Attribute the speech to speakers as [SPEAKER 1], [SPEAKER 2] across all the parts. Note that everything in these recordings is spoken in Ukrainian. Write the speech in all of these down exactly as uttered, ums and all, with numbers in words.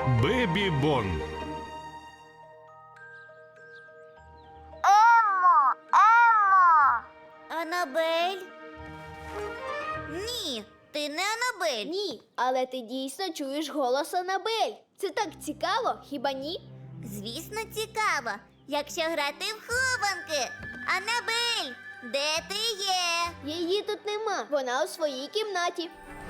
[SPEAKER 1] Бебі Бон.
[SPEAKER 2] Емо, Емо! Анабель? Ні, ти не Анабель.
[SPEAKER 3] Ні, але ти дійсно чуєш голос Анабель. Це так цікаво, хіба ні?
[SPEAKER 2] Звісно, цікаво, якщо грати в хованки. Анабель, де ти є?
[SPEAKER 3] Її тут нема. Вона у своїй кімнаті.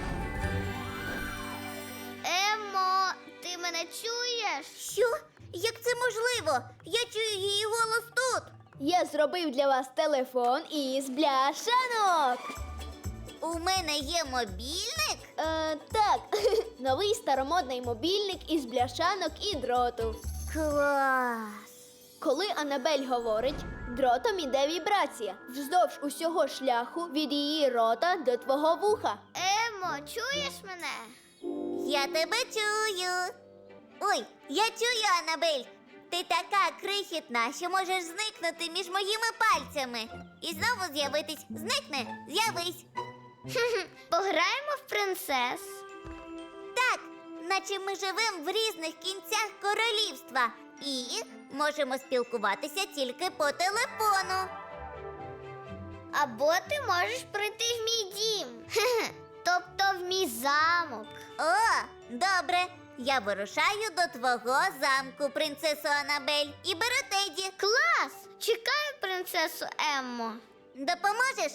[SPEAKER 2] Емо, ти мене чуєш? Що? Як це можливо? Я чую її голос тут.
[SPEAKER 3] Я зробив для вас телефон із бляшанок.
[SPEAKER 2] У мене є мобільник?
[SPEAKER 3] Е, так, новий старомодний мобільник із бляшанок і дроту.
[SPEAKER 2] Клас!
[SPEAKER 3] Коли Анабель говорить, дротом іде вібрація вздовж усього шляху від її рота до твого вуха.
[SPEAKER 2] Емо, чуєш мене? Я тебе чую. Ой, я чую, Анабель. Ти така крихітна, що можеш зникнути між моїми пальцями. І знову з'явитись. Зникни, з'явись. Пограємо в принцес? Так, наче ми живемо в різних кінцях королівства. І можемо спілкуватися тільки по телефону. Або ти можеш прийти в мій дім. Тобто в мій замок. О, добре. Я вирушаю до твого замку, принцесо Анабель, і беру Теді. Клас! Чекаю принцесу Еммо. Допоможеш?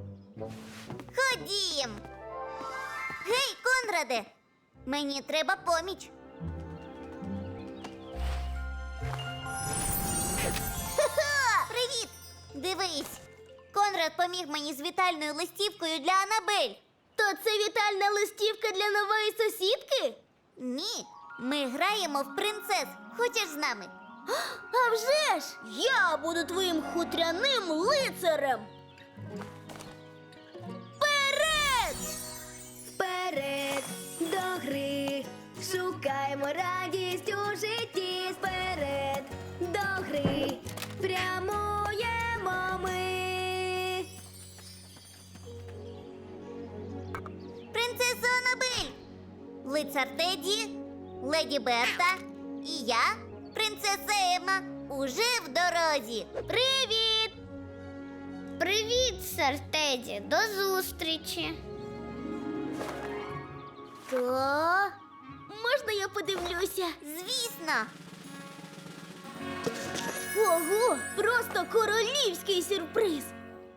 [SPEAKER 2] Ходім. Гей, Конраде, мені треба поміч. Ха-ха! Привіт! Дивись, Конрад поміг мені з вітальною листівкою для Анабель.
[SPEAKER 3] То це вітальна листівка для нової сусідки?
[SPEAKER 2] Ні, ми граємо в принцес. Хочеш з нами?
[SPEAKER 3] А вже ж! Я буду твоїм хутряним лицарем! Вперед! Вперед до гри! Шукаємо радість у житті! Вперед до гри! Прямуємо ми!
[SPEAKER 2] Принцесо Анабель! Лицар Теді, леді Берта і я, принцеса Емма, уже в дорозі. Привіт! Привіт, сер Теді. До зустрічі. То?
[SPEAKER 3] Можна я подивлюся?
[SPEAKER 2] Звісно.
[SPEAKER 3] Ого! Просто королівський сюрприз!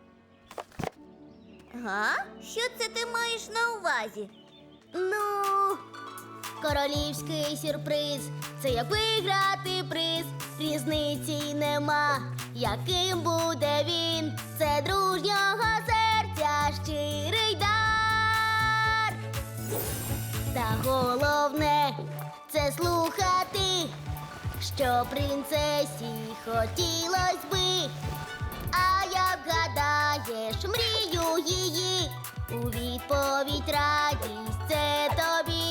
[SPEAKER 2] Га? Що це ти маєш на увазі?
[SPEAKER 3] Ну, королівський сюрприз – це як виграти приз, різниці нема, яким буде він, це дружнього серця щирий дар. Та головне – це слухати, що принцесі хотілось би. А як гадаєш мрію її, у відповідь радість це тобі.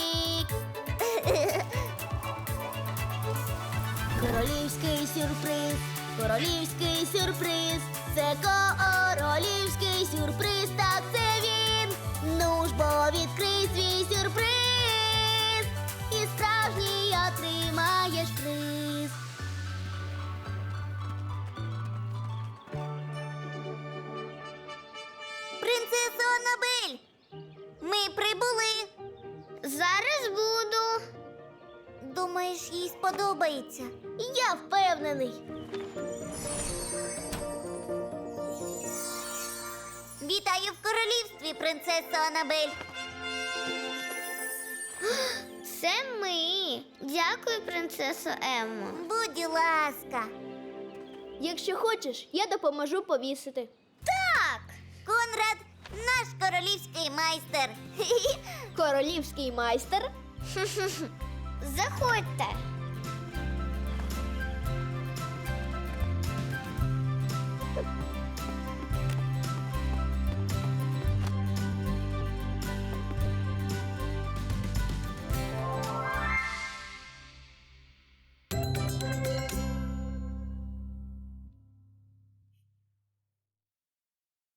[SPEAKER 3] Королівський сюрприз, королівський сюрприз, це королівський сюрприз, так це він. Ну ж бо відкрий свій сюрприз, і справжній отримаєш приз.
[SPEAKER 2] Принцесо Анабель, ми прибули. Зараз буду. Думаєш, їй сподобається?
[SPEAKER 3] Я впевнений.
[SPEAKER 2] Вітаю в королівстві, принцесо Анабель. Це ми. Дякую, принцесо Еммо. Будь ласка.
[SPEAKER 3] Якщо хочеш, я допоможу повісити.
[SPEAKER 2] Так, Конрад наш королівський майстер.
[SPEAKER 3] Королівський майстер?
[SPEAKER 2] Заходьте.